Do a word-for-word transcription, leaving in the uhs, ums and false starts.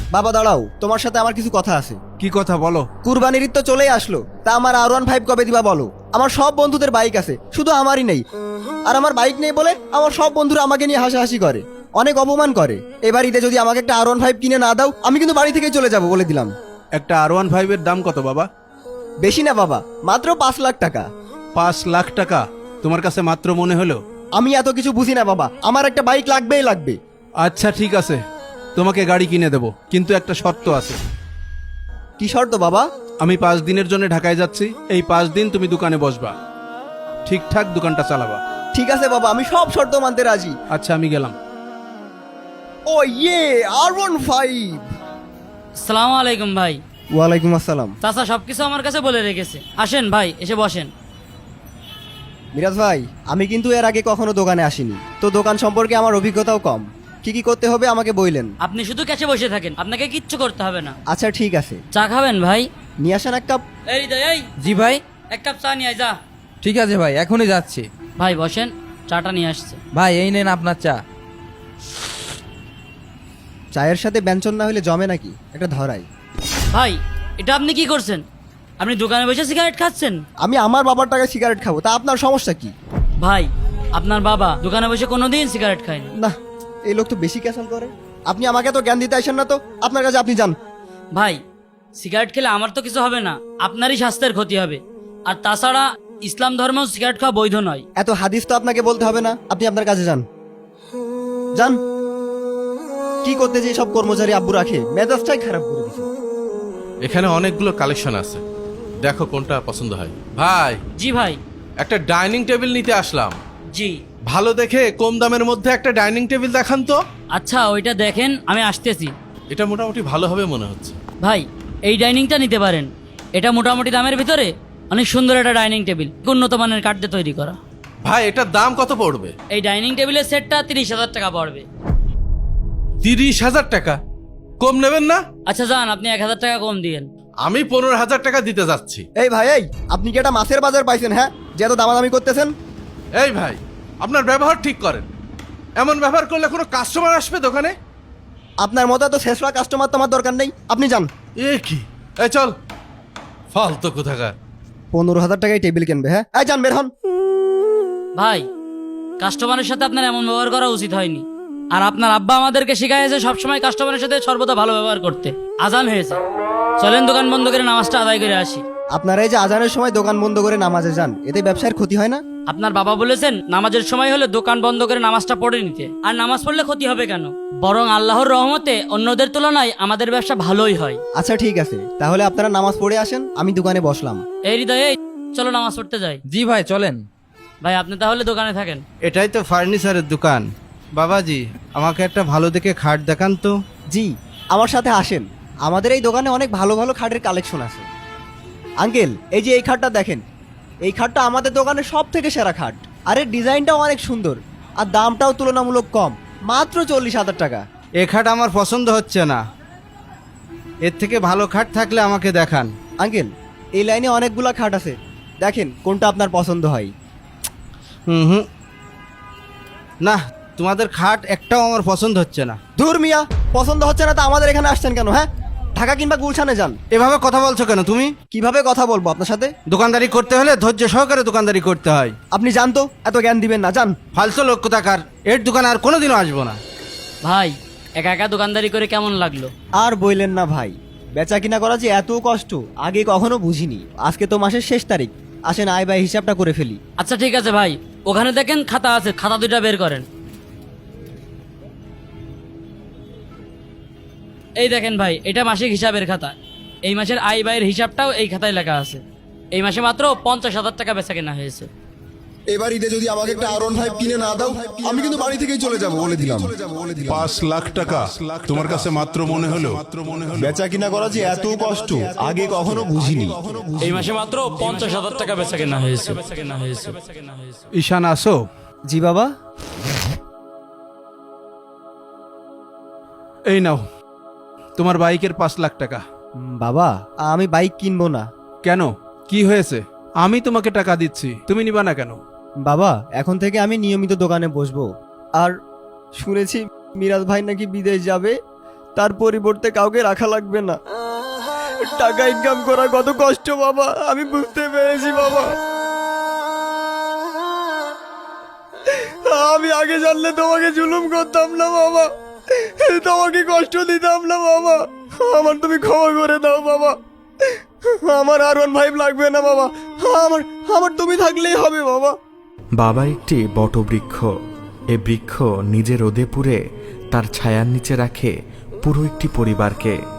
বাবা দাঁড়াও, তোমার সাথে আমার কিছু কথা আছে। কি কথা বলো? কুরবানির ঈদ তো চলেই আসলো, তা আমার আর ওয়ান ফাইভ কবে দিবা বলো? আমার সব বন্ধুদের বাইক আছে, শুধু আমারই নেই। আর আমার বাইক নেই বলে আমার সব বন্ধুরা আমাকে নিয়ে হাসাহাসি করে, অনেক অপমান করে। এবার ঈদে যদি আমাকে একটা আর ওয়ান ফাইভ কিনে না দাও, আমি কিন্তু বাড়ি থেকেই চলে যাবো বলে দিলাম। একটা আর ওয়ান ফাইভ এর দাম কত বাবা? বেশি না বাবা, মাত্র পাঁচ লাখ টাকা। পাঁচ লাখ টাকা তোমার কাছে মাত্র মনে হলো? আমি এত কিছু বুঝি না বাবা, আমার একটা বাইক লাগবেই লাগবে। আচ্ছা ঠিক আছে, তোমাকে গাড়ি কিনে দেবো, কিন্তু একটা শর্ত আছে। কি শর্ত বাবা? আমি পাঁচ দিনের জন্য ঢাকায় যাচ্ছি, এই পাঁচ দিন তুমি দোকানে বসবা, ঠিকঠাক দোকানটা চালাবা। ঠিক আছে বাবা, আমি সব শর্ত মানতে রাজি। আচ্ছা আমি গেলাম। ও ইয়ে, আর ওয়ান ফাইভ। আসসালামু আলাইকুম ভাই। ওয়ালাইকুম আসসালাম। চাচা সবকিছু আমার কাছে বলে রেখেছে, আসেন ভাই এসে বসেন। মিরাজ ভাই, আমি কিন্তু এর আগে কখনো দোকানে আসিনি, তো দোকান সম্পর্কে আমার অভিজ্ঞতাও কম। কি কি করতে হবে আমাকে বললেন। আপনি শুধু ক্যাশে বসে থাকেন, আপনাকে কিচ্ছু করতে হবে না। আচ্ছা ঠিক আছে, চা খাবেন ভাই? নিয়ে আসেন এক কাপ। এই দে, এই জি ভাই। এক কাপ চা নিয়ে আয় যা। ঠিক আছে ভাই, এখনই যাচ্ছি। ভাই বসেন, চাটা নিয়ে আসছে। ভাই এই নেন আপনার চা। চায়ের সাথে ব্যঞ্জন না হলে জমে নাকি, একটা ধরাই। ভাই এটা আপনি কি করছেন? আপনি দোকানে বসে সিগারেট খাচ্ছেন? আমি আমার বাবার টাকায় সিগারেট খাবো, তা আপনার সমস্যা কি? ভাই আপনার বাবা দোকানে বসে কোনোদিন সিগারেট খায়নি। না, এই লোক তো বেশি ক্যাসল করে। আপনি আমাকে তো জ্ঞান দিতে আসেন না, তো আপনার কাছে আপনি যান। ভাই সিগারেট খেলে আমার তো কিছু হবে না, আপনারই স্বাস্থ্যের ক্ষতি হবে। আর তাছাড়া ইসলাম ধর্মেও সিগারেট খাওয়া বৈধ নয়। এত হাদিস তো আপনাকে বলতে হবে না, আপনি আপনার কাছে যান। যান। কি করতে যে সব কর্মচারী আব্বু রাখে, মেজাজটাই খারাপ করে দিছে। এখানে অনেকগুলো কালেকশন আছে, দেখো কোনটা পছন্দ হয়। ভাই জি ভাই। একটা ডাইনিং টেবিল নিতে আসলাম, জি ভালো দেখে কম দামের মধ্যে একটা ডাইনিং টেবিল দেখান তো। আচ্ছা ওইটা দেখেন, আমি আসতেছি। এটা মোটামুটি ভালো হবে মনে হচ্ছে। ভাই এই ডাইনিংটা নিতে পারেন, এটা মোটামুটি দামের ভিতরে অনেক সুন্দর একটা ডাইনিং টেবিল, উন্নত মানের কাঠ দিয়ে তৈরি করা। ভাই এটার দাম কত পড়বে? এই ডাইনিং টেবিলের সেটটা তিরিশ হাজার টাকা পড়বে। তিরিশ হাজার টাকা? কম নেবেন না? আচ্ছা যান, আপনি এক হাজার টাকা কম দিয়েন। আমি পনেরো হাজার টাকা দিতে যাচ্ছি। এই ভাই, এই আপনি কি একটা মাছের বাজার পাইছেন? হ্যাঁ, যে এত দামাদামি করতেছেন। এই ভাই আপনার ব্যবহার ঠিক করেন, এমন ব্যবহার করলে কোনো কাস্টমার আসবে দোকানে? আপনার মতো এত শেষরা কাস্টমার তোমার দরকার নেই, আপনি যান। এ কি, এই চল, ফালতু কোথাকার। পনেরো হাজার টাকায় টেবিল কিনবে? হ্যাঁ, এই যান, বের হন। ভাই কাস্টমারের সাথে আপনার এমন ব্যবহার করা উচিত হয়নি। আর আপনার আব্বা আমাদেরকে শেখাইছে সবসময় কাস্টমারের সাথে সর্বদা ভালো ব্যবহার করতে। আজান হয়েছে, চলেন দোকান বন্ধ করে নামাজটা আদায় করে আসি। আপনারা এই যে আজানের সময় দোকান বন্ধ করে নামাজে যান, এতে ব্যবসার ক্ষতি হয় না? আপনার বাবা বলেছেন নামাজের সময় হলে দোকান বন্ধ করে নামাজটা পড়ে নিতে। আর নামাজ পড়লে ক্ষতি হবে কেন? বরং আল্লাহর রহমতে অন্যদের তুলনায় আমাদের ব্যবসা ভালোই হয়। আচ্ছা ঠিক আছে, তাহলে আপনারা নামাজ পড়ে আসেন, আমি দোকানে বসলাম। এই হৃদয়, এই চলো নামাজ পড়তে যাই। জি ভাই চলেন। ভাই আপনি তাহলে দোকানে থাকেন। এটাই তো ফার্নিচারের দোকান। বাবাজি আমাকে একটা ভালো দেখে খাট দেখান তো। জি, আমার সাথে আসেন, আমাদের এই দোকানে অনেক ভালো ভালো খাটের কালেকশন আছে। আঙ্কেল, এই যে এই খাটটা দেখেন, এই খাটটা আমাদের দোকানের সব থেকে সেরা খাট। আর এর ডিজাইনটাও অনেক সুন্দর, আর দামটাও তুলনামূলক কম, মাত্র চল্লিশ হাজার টাকা। এ খাট আমার পছন্দ হচ্ছে না, এর থেকে ভালো খাট থাকলে আমাকে দেখান। আঙ্কেল, এই লাইনে অনেকগুলা খাট আছে, দেখেন কোনটা আপনার পছন্দ হয়। হুম হুম, না তোমাদের খাট একটাও আমার পছন্দ হচ্ছে না। ধুর মিয়া, পছন্দ হচ্ছে না তা আমাদের এখানে আসছেন কেন? হ্যাঁ, ঢাকা কিংবা গুলশানে যান। এভাবে কথা বলছো কেন তুমি? কিভাবে কথা বলবো আপনার সাথে? দোকানদারি করতে হলে ধৈর্য সহকারে দোকানদারি করতে হয়। আপনি জান তো, এত জ্ঞান দিবেন না, যান। ফালতু লোক কোথাকার, এর দোকানে আর কোনোদিনও আসবো না। ভাই একা একা দোকানদারি করে কেমন লাগলো? আর বইলেন না ভাই, বেচা কিনা করা যে এত কষ্ট আগে কখনো বুঝিনি। আজকে তো মাসের শেষ তারিখ, আসেন আয় ব্যয় হিসাবটা করে ফেলি। আচ্ছা ঠিক আছে ভাই, ওখানে দেখেন খাতা আছে, খাতা দুইটা বের করেন। এই দেখেন ভাই, এটা মাসিক হিসাবের খাতা। এই মাসের আয় ব্যয়ের হিসাবটাও এই খাতায় লেখা আছে। এই মাসে মাত্র পঞ্চাশ হাজার টাকা বেচা কেনা হয়েছে। এবার ঈদে যদি আমাকে একটা আর ওয়ান ফাইভ কিনে না দাও, আমি কিন্তু বাড়ি থেকেই চলে যাব বলে দিলাম। পাঁচ লাখ টাকা তোমার কাছে মাত্র মনে হলো? বেচা কিনা করা যে এত কষ্ট আগে কখনো বুঝিনি। এই মাসে মাত্র পঞ্চাশ হাজার টাকা বেচা কেনা হয়েছে। ঈশান আসো। জি বাবা। এই নাও তোমার বাইকের পাঁচ লাখ টাকা। উম, বাবা, আমি বাইক কিনবো না। কেন, কি হয়েছে? আমি তোমাকে টাকা দিচ্ছি, তুমি নিবা না কেন? বাবা, এখন থেকে আমি নিয়মিত দোকানে বসবো। আর শুনেছি মিরাজ ভাই নাকি বিদেশ যাবে, তার পরিবর্তে কাউকে রাখা লাগবে না। টাকা ইনকাম করা কত কষ্ট বাবা, আমি বুঝতে পেরেছি বাবা। আমি আগে জানলে তোমাকে জুলুম করতাম না বাবা, তোমাকে কষ্ট দিতাম না বাবা। আমার তুমি ক্ষমা করে দাও বাবা। আমার আর ওয়ান ফাইভ লাগবে না বাবা, আমার আমার তুমি থাকলেই হবে বাবা। বাবা একটি বটবৃক্ষ। এ বৃক্ষ নিজে রোদে পুড়ে তার ছায়ার নিচে রাখে পুরো একটি পরিবারকে।